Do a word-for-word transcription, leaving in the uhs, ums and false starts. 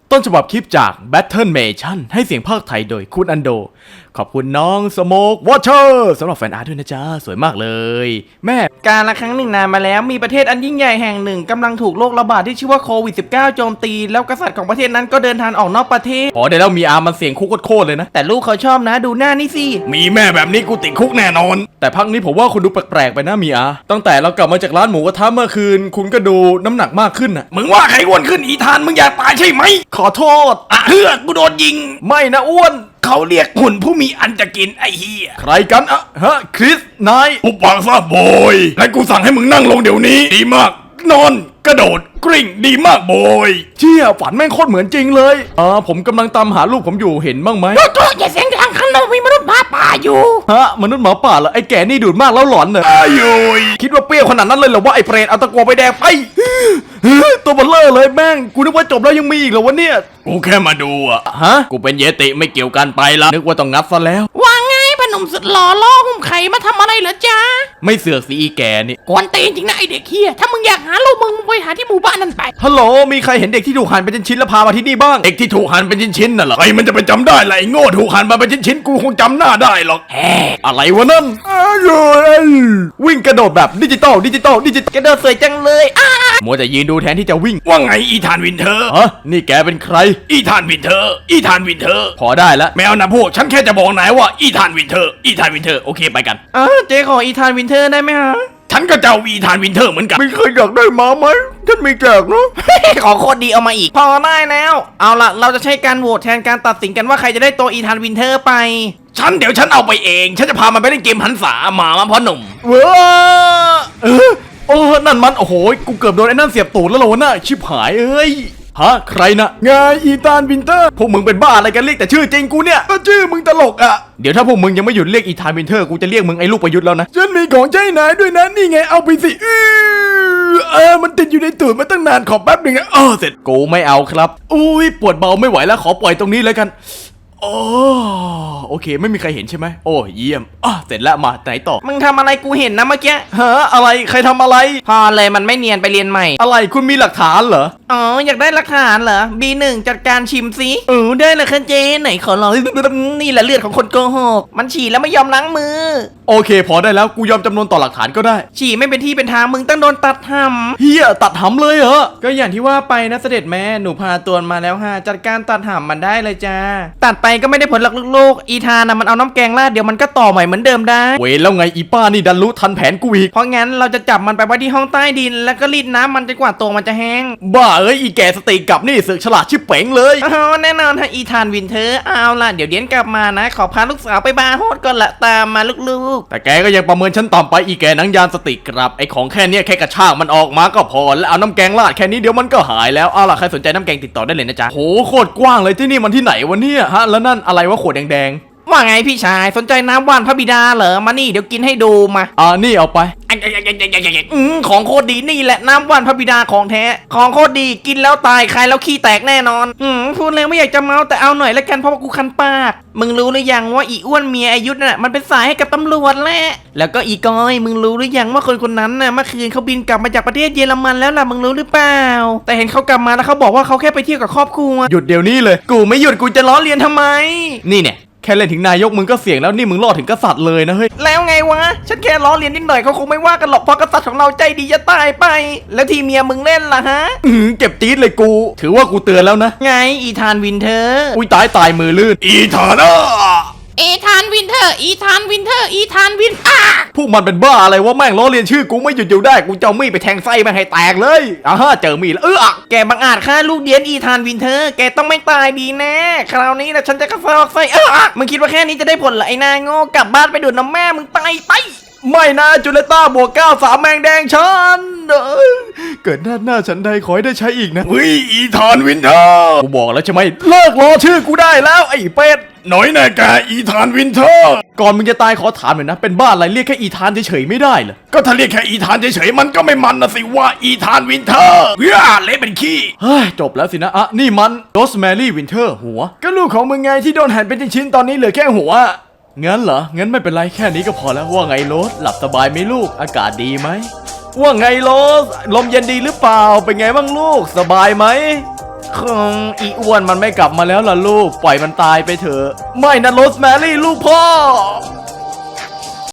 ต้นฉบับคลิปจาก Battle-mation ให้เสียงภาคไทยโดยคุณอันโดขอบคุณน้องสโมกวอเชอร์สำหรับแฟนอาร์ตด้วยนะจ๊ะสวยมากเลยแม่การละครั้งหนึ่งนานมาแล้วมีประเทศอันยิ่งใหญ่แห่งหนึ่งกำลังถูกโรคระบาดที่ชื่อว่าโควิด สิบเก้า โจมตีแล้วกษัตริย์ของประเทศนั้นก็เดินทางออกนอกประเทศอ๋อเดี๋ยวเรามีอาร์มันเสียงคุกโคตรเลยนะแต่ลูกเขาชอบนะดูหน้านี่สิมีแม่แบบนี้กูติดคุกแน่นอนแต่พักนี้ผมว่าคุณดูแปลกๆไปนะมีอาตั้งแต่เรากลับมาจากร้านหมูกระทะเมื่อคืนคุณก็ดูน้ำหนักมากขึ้นน่ะมึงว่าใครอ้วนขึ้นอีธานมึงอยากตายใช่ไหมขอโทษอ่ะเฮือกกูโดนยิงไม่นะอ้วนเขาเรียกหุ่นผู้มีอันจะกินไอ้เหี้ยใครกันอะฮะคริสนายอุปากซะโบยและกูสั่งให้มึงนั่งลงเดี๋ยวนี้ดีมากนอนกระโดดกริ่งดีมากโบยเชี่ยฝันแม่งโคตรเหมือนจริงเลยอ่าผมกำลังตามหาลูกผมอยู่เห็นบ้างไหมโตอย่าเสียงดังข้างนอกมีมนุษย์หมาป่าอยู่ฮะมนุษย์หมาป่าเหรอไอ้แก่นี่ดูดมากแล้วหลอนเหรออายุยคิดว่าเปรี้ยวขนาดนั้นเลยเหรอว่าไอ้เปรตเอาตะกั่วไปแดงไปตัวเบลเลอร์เลยแม่งกูนึกว่าจบแล้วยังมีอีกเหรอวะเนี่ยกูแค่มาดูอะฮะกูเป็นเยติไม่เกี่ยวกันไปละนึกว่าต้องงัดซะแล้วว่าไงพนมสุดหล่อล่อหุ้มไข่มาทำอะไรเหรอจ๊ะไม่เสือกสิอีแกนี่กวนตีนจริงนะไอเด็กเฮียถ้ามึงอยากหาลูกมึงมึงไปหาที่หมู่บ้านนั่นไปฮัลโหลมีใครเห็นเด็กที่ถูกหั่นเป็นชิ้นๆแล้วพามาที่นี่บ้างเด็กที่ถูกหั่นเป็นชิ้นๆน่ะเหรอใครมันจะไปจำได้ล่ะไอ้โง่ถูกหั่นมาเป็นชิ้นๆกูคงจำหน้าได้หรอกแฮอะไรวะนั่นวิ่งกระโดดแบบดิจิตอลดิจิตอลดิจิตกระโดดสวยจังเลยมัวแต่ยืนดูแทนที่จะวิ่งว่าไงอีธานวินเทอร์ฮะนี่แกเป็นใครอีธานวินเทอร์อีธานวินเทอร์พอได้แล้วแมวนะพวกฉันแค่จะบอกนายว่าอีธานวินเทอร์อีธานวินเทอร์โอเคไปกันอ๋อเจ๊ขออีธานวินเทอร์ได้ไหมฮะฉันก็จะเอาอีธานวินเทอร์เหมือนกันไม่เคยอยากได้มาไหมฉันมีแจกเนาะขอโคตรดีเอามาอีกพอได้แล้วเอาล่ะเราจะใช้การโหวตแทนการตัดสินกันว่าใครจะได้ตัวอีธานวินเทอร์ไปฉันเดี๋ยวฉันเอาไปเองฉันจะพามันไปเล่นเกมหันษาหมามาพ่อหนุ่มเว้อเออโอ้นั่นมันโอ้โหกูเกือบโดนไอ้นั่นเสียบตูดแล้วเหรอวะน่ะชิบหายเอ้ยฮะใครนะไงอีธานวินเทอร์พวกมึงเป็นบ้าอะไรกันเรียกแต่ชื่อจริงกูเนี่ยก็ชื่อมึงตลกอ่ะเดี๋ยวถ้าพวกมึงยังไม่หยุดเรียกอีธานวินเทอร์กูจะเรียกมึงไอ้ลูกประยุทธ์แล้วนะฉันมีของใช้นายด้วยนะนี่ไงเอาไปสิเออมันติดอยู่ในตูดมาตั้งนานขอแป๊บหนึ่งนะเออเสร็จกูไม่เอาครับอุ้ยปวดเบาไม่ไหวแล้วขอปล่อยตรงนี้แล้วกันโอ้โอเคไม่มีใครเห็นใช่ไหมโอ้เยี่ยมอ่ะเสร็จแล้วมาไหนต่อมึงทำอะไรกูเห็นนะเมื่อกี้ฮะอะไรใครทำอะไรพอเลยมันไม่เนียนไปเรียนใหม่อะไรคุณมีหลักฐานเหรออ๋ออยากได้หลักฐานเหรอ บี หนึ่ง จัดการชิมซิเออได้เลยค่ะเจไหนขอลองนี่แหละเลือดของคนโกหกมันฉี่แล้วไม่ยอมล้างมือโอเคพอได้แล้วกูยอมจำนวนต่อหลักฐานก็ได้ฉี่ไม่เป็นที่เป็นทางมึงต้องโดนตัดหำเฮียตัดหำเลยเหรอก็อย่างที่ว่าไปนะเสด็จแม่หนูพาตัวมาแล้วฮะจัดการตัดหำมันได้เลยจ้าตัดไปก็ไม่ได้ผลหลักลูกอีธานะมันเอาน้ำแกงราดเดี๋ยวมันก็ต่อใหม่เหมือนเดิมได้เว้ยแล้วไงอีป้านี่ดันรู้ทันแผนกูอีกเพราะงั้นเราจะจับมันไปไว้ที่ห้องใต้ดินแล้วก็รีดน้ำมันจนกว่าตัวมันจะแห้งบ้าเอ้ยอีแกสติกลับนี่สึกฉลาดชิบเป๋งเลยอ๋อแน่นอนฮะอีธานวินเทอร์เอาล่ะเดี๋ยวเดี๋ยวกลับมานะขอพาลูกสาวไปบาร์โฮสก่อนละตามมาลูกๆแต่แกก็ยังประเมินฉันต่ำไปอีแกนังยานสติกลับไอของแค่นี้แค่กระชากมันออกมาก็พอแล้วเอาน้ำแกงราดแค่นี้เดี๋ยวมันก็หายแล้วเอาล่ะใครสนใจน้ำแกงติดต่อได้เลยนะจ๊ะโหโคตรกว้างเลยที่นี่มันที่ไหนวะเนี่ยฮะแล้วนั่นอะไรวะขวดแดงๆว่าไงพี่ชายสนใจน้ำว่านพระบิดาเหรอมานี่เดี๋ยวกินให้ดูมาอ่านี่เอาไปอืมของโคตรดีนี่แหละน้ำว่านพระบิดาของแท้ของโคตรดีกินแล้วตายใครแล้วขี้แตกแน่นอนอืมพูดแล้วไม่อยากจะเมาแต่เอาหน่อยละกันเพราะว่ากูคันปากมึงรู้หรือยังว่าอีอ้วนเมียอายุน่ะมันเป็นสายให้กับตำรวจแหละแล้วก็อีกอยมึงรู้หรือยังว่าคนคนนั้นน่ะเมื่อคืนเขาบินกลับมาจากประเทศเยอรมันแล้วล่ะมึงรู้หรือเปล่าแต่เห็นเขากลับมาแล้วเขาบอกว่าเขาแค่ไปเที่ยวกับครอบครัวหยุดเดี๋ยวนี้เลยกูไม่หยุดกูจะล้อเลียนทำไมนี่เนี่ยแค่เล่นถึงนายกมึงก็เสี่ยงแล้วนี่มึงรอดถึงกษัตริย์เลยนะเฮ้ยแล้วไงวะฉันแค่ล้อเลียนนิดหน่อยเขาคงไม่ว่ากันหรอกเพราะกษัตริย์ของเราใจดีจะตายไปแล้วที่เมียมึงเล่นล่ะฮะอืมเก็บจี๊ดเลยกูถือว่ากูเตือนแล้วนะไงอีธานวินเทอร์อุ้ยตายตายมือลื่นอีธานอ่ะอีธานวินเทอร์อีธานวินเทอร์อีธานวินอ่ะพวกมันเป็นบ้าอะไรวะแม่งล้อเลียนชื่อกูไม่หยุดอยู่ได้กูจะเอามีดไปแทงไส้แม่งให้แตกเลยอ่ะฮะเจอมีดแล้วเออแกบังอาจฆ่าลูกเดียนอีธานวินเทอร์แกต้องไม่ตายดีแน่คราวนี้นะฉันจะกระซอกไส้เออมึงคิดว่าแค่นี้จะได้ผลเหรอไอ้นายโง่กลับบ้านไปดูดน้ำแม่มึงตายไปไม่นะจูเลต้าบวกเก้าสามแมงแดงฉันเกิดหน้าหน้าฉันใดขอให้ได้ใช้อีกนะวิอีธานวินเทอร์กูบอกแล้วใช่ไหมเลิกรอชื่อกูได้แล้วไอ้เป็ดหน่อยแน่แกอีธานวินเทอร์ก่อนมึงจะตายขอถามหน่อยนะเป็นบ้าอะไรเรียกแค่อีธานเฉยๆไม่ได้เหรอก็ถ้าเรียกแค่อีธานเฉยๆมันก็ไม่มันนะสิว่าอีธานวินเทอร์เฮ้ยเละเป็นขี้เฮ้ยจบแล้วสินะอ่ะนี่มันโรสแมรี่วินเทอร์หัวก็ลูกของมึงไงที่โดนหั่นเป็นชิ้นๆตอนนี้เหลือแค่หัวงั้นเหรองั้นไม่เป็นไรแค่นี้ก็พอแล้วว่าไงโรสหลับสบายไหมลูกอากาศดีไหมว่าไงโรสลมเย็นดีหรือเปล่าเป็นไงบ้างลูกสบายไหมคงอีอ้วนมันไม่กลับมาแล้วล่ะลูก ปล่อยมันตายไปเถอะ ไม่นะโรสแมรี่ลูกพ่อ